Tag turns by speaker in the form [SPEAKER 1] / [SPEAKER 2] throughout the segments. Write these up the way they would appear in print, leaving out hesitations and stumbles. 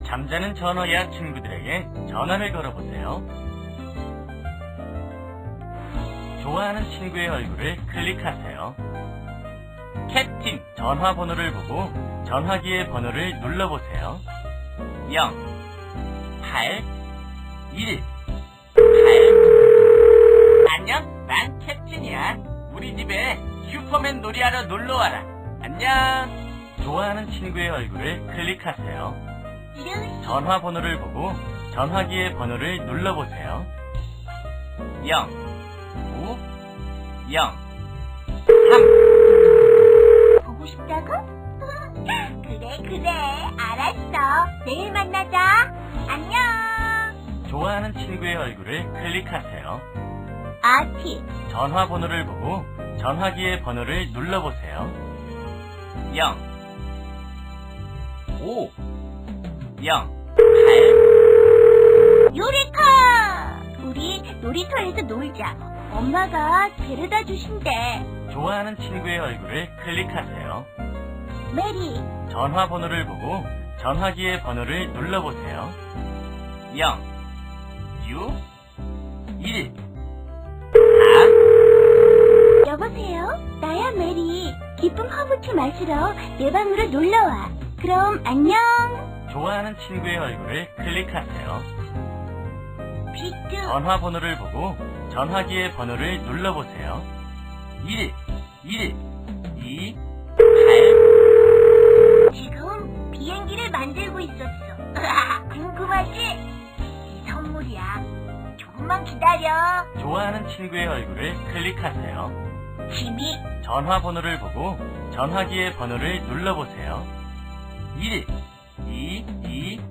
[SPEAKER 1] 잠자는 전화예약 친구들에게 전화를 걸어보세요. 좋아하는 친구의 얼굴을 클릭하세요. 캡틴 전화번호를 보고 전화기의 번호를 눌러보세요. 0, 8, 1, 8. 안녕, 난 캡틴이야. 우리 집에 슈퍼맨 놀이하러 놀러와라. 안녕. 좋아하는 친구의 얼굴을 클릭하세요. 전화번호를 보고 전화기의 번호를 눌러보세요. 0, 9, 0, 3.
[SPEAKER 2] 보고 싶다고? 그래, 알았어. 내일 만나자. 안녕.
[SPEAKER 1] 좋아하는 친구의 얼굴을 클릭하세요.
[SPEAKER 2] 아티.
[SPEAKER 1] 전화번호를 보고 전화기의 번호를 눌러보세요. 0, 5, 0, 8.
[SPEAKER 2] 요리카! 우리 놀이터에서 놀자. 엄마가 데려다 주신대.
[SPEAKER 1] 좋아하는 친구의 얼굴을 클릭하세요.
[SPEAKER 2] 메리.
[SPEAKER 1] 전화번호를 보고 전화기의 번호를 눌러보세요. 0, 6, 1, 4.
[SPEAKER 2] 여보세요? 나야 메리. 기쁨 허브티 마시러 내 방으로 놀러와. 그럼 안녕.
[SPEAKER 1] 좋아하는 친구의 얼굴을 클릭하세요.
[SPEAKER 2] 비트.
[SPEAKER 1] 전화번호를 보고 전화기의 번호를 눌러보세요. 1, 1, 2, 8.
[SPEAKER 2] 지금 비행기를 만들고 있었어. 궁금하지? 이 선물이야. 조금만 기다려.
[SPEAKER 1] 좋아하는 친구의 얼굴을 클릭하세요.
[SPEAKER 2] 지미.
[SPEAKER 1] 전화번호를 보고 전화기의 번호를 눌러보세요. 1, 2, 2,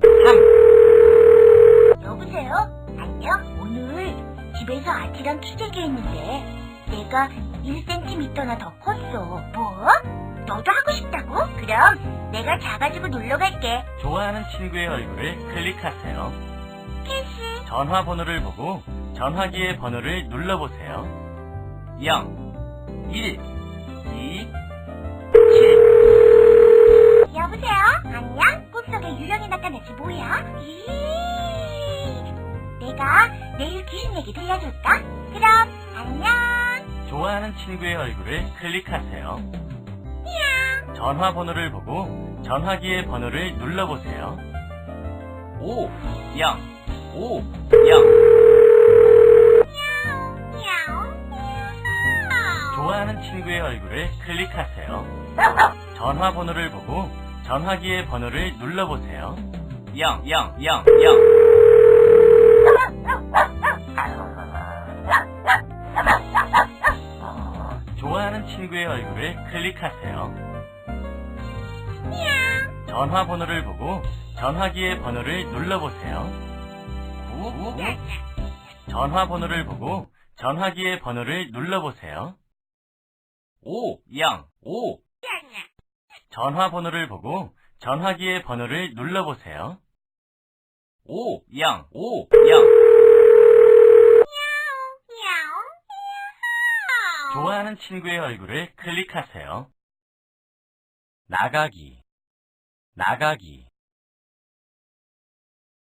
[SPEAKER 1] 3.
[SPEAKER 2] 여보세요? 안녕? 오늘 집에서 아티랑 투쟁기 했는데 내가 1cm나 더 컸어. 뭐? 너도 하고 싶다고? 그럼 내가 작아지고 놀러 갈게.
[SPEAKER 1] 좋아하는 친구의 얼굴을 클릭하세요.
[SPEAKER 2] 캐시.
[SPEAKER 1] 전화번호를 보고 전화기의 번호를 눌러보세요. 0, 1, 2, 7.
[SPEAKER 2] 여보세요? 안녕? 꿈속에 유령이 나타났지 뭐야? 내가 내일 귀신 얘기 들려줄까? 그럼 안녕.
[SPEAKER 1] 좋아하는 친구의 얼굴을 클릭하세요. 전화번호를 보고 전화기의 번호를 눌러보세요. 5, 0, 5, 0. 좋아하는 친구의 얼굴을 클릭하세요. 전화번호를 보고 전화기의 번호를 눌러보세요. 0, 0, 0, 0. 좋아하는 친구의 얼굴을 클릭하세요. 전화번호를 보고 전화기의 번호를 눌러보세요. 9, 9. 전화번호를 보고 전화기의 번호를 눌러보세요. 5, 0, 5. 전화번호를 보고 전화기의 번호를 눌러보세요. 5, 0, 5, 0. 좋아하는 친구의 얼굴을 클릭하세요. 나가기, 나가기.